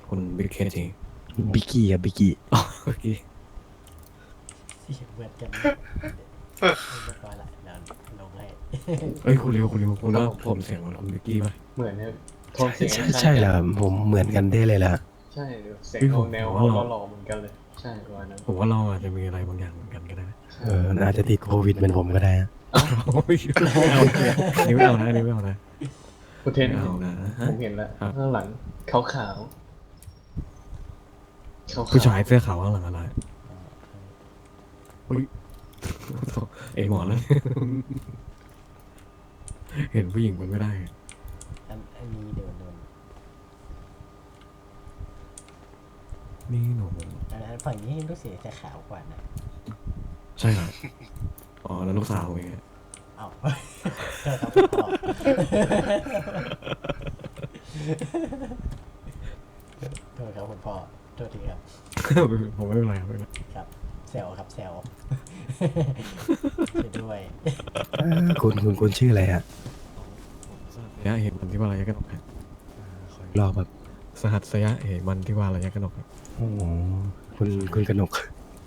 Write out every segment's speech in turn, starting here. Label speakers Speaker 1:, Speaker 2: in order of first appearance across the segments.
Speaker 1: คุณบิ๊กเคที
Speaker 2: บิกกี้ครับบิกกี้
Speaker 1: เมื่อกี้
Speaker 3: เสียงเหมือนกันเรียบร้อยละเดี๋ยวลงให้
Speaker 1: เอ้ยคุณคุณว่าผมเสียงเหมือนคุณบิ๊กกี้ป่ะ
Speaker 4: เหมือนเนี่ยโทนเสียง
Speaker 2: ใช่แล้วผมเหมือนกันได้เลยล่ะ
Speaker 4: ใช่เสียงออกแนวหล่อๆเหมือนกันเลย ใช่ประมาณนั้น
Speaker 1: ผมว่าเราอาจจะมีอะไรบางอย่างเหมือนกันก็ได้นะ
Speaker 2: อาจจะติดโควิดเหมือนผมก็ได้นะ
Speaker 1: โอ้ยไม่เอานี่ไม่เอานะนี่ไม่เอานะ
Speaker 4: คุณเทน
Speaker 1: ไม่เอานะ
Speaker 4: ผมเห็นแล้ว
Speaker 1: ครับ
Speaker 4: ข้างหลังขาวขาวขาว
Speaker 1: ผู้ชายเสื้อขาวข้างหลังอะไรอุ้ยเอ็หมอนแล้ว เห็นผู้หญิงมันไม่ได้
Speaker 3: อันนี้โดน
Speaker 1: นี่หนู
Speaker 3: อันฝั่งนี้รู้สึกจะขาวกว่านะ
Speaker 1: ใช่เหรออ๋อแล้วลูกสาวเอง
Speaker 3: เอ้าเธอครับคุณพ่อโทษครับคุณพ่อโทษทีครับ
Speaker 1: ผมไม่เป็นไรครับไม่เป็นไร
Speaker 3: ครับแซวครับแซวไปด้วย
Speaker 2: คุณชื่ออะไรฮะ
Speaker 1: สยะเหตุมันที่ว่าระยะกระหนกครับ
Speaker 2: รอบแบบ
Speaker 1: สหัสสยะเหตุมันที่ว่าระยะกระหนกครับ
Speaker 2: โอ้โหคุณกนก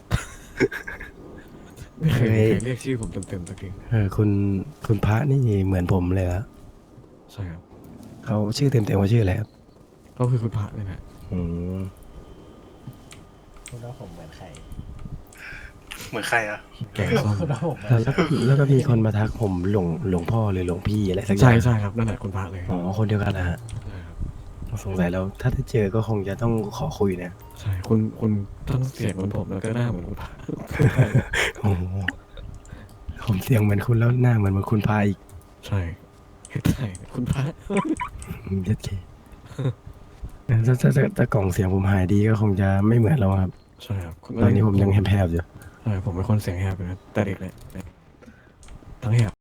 Speaker 1: ไม่เคย
Speaker 2: เฮ้ย
Speaker 1: เรียกชื่อผมเต็มๆสักที
Speaker 2: คุณพระนี่เหมือนผมเลยละ
Speaker 1: ใช่ครับ
Speaker 2: เขาชื่อเต็มว่าชื่ออะไรครับ
Speaker 1: ก็คือคุณพระเลยนะ
Speaker 2: อืม
Speaker 3: คุณว่าผมเหมือนใคร
Speaker 5: เหมือนใครอะ
Speaker 1: แกงส้ม
Speaker 3: คุณว่าผมเหมือน
Speaker 2: แล้วก็มีคนมาทักผมหลวงพ่อหรือหลวงพี่อะไรสักอย่า
Speaker 1: ใช่
Speaker 2: ง
Speaker 1: ใช่ครับนั่นแหละคุณพระเลย
Speaker 2: อ๋อคนเดียวกันนะฮะ
Speaker 1: ใช่ครับ
Speaker 2: สงสัยแล้วถ้าได้เจอก็คงจะต้องขอคุยนะ
Speaker 1: ใช่คุณทั้งเสียงเหมือนผมแล้วก็หน้าเหมือนคุณพระ
Speaker 2: โอ้โหผมเสียงเหมือนคุณแล้วหน้าเหมือนคุณพาอีก
Speaker 1: ใช่ใช่คุณพระ
Speaker 2: เย็ดเคถ้ากล่องเสียงผมหายดีก็คงจะไม่เหมือนเราครับ
Speaker 1: ใช่ครับ
Speaker 2: ตอนนี้ผมยังแหบๆอยู่
Speaker 1: ใช่ผมเป็นคนเสียงแหบอยู่นะแต่เด็กเลยทั้งแหบ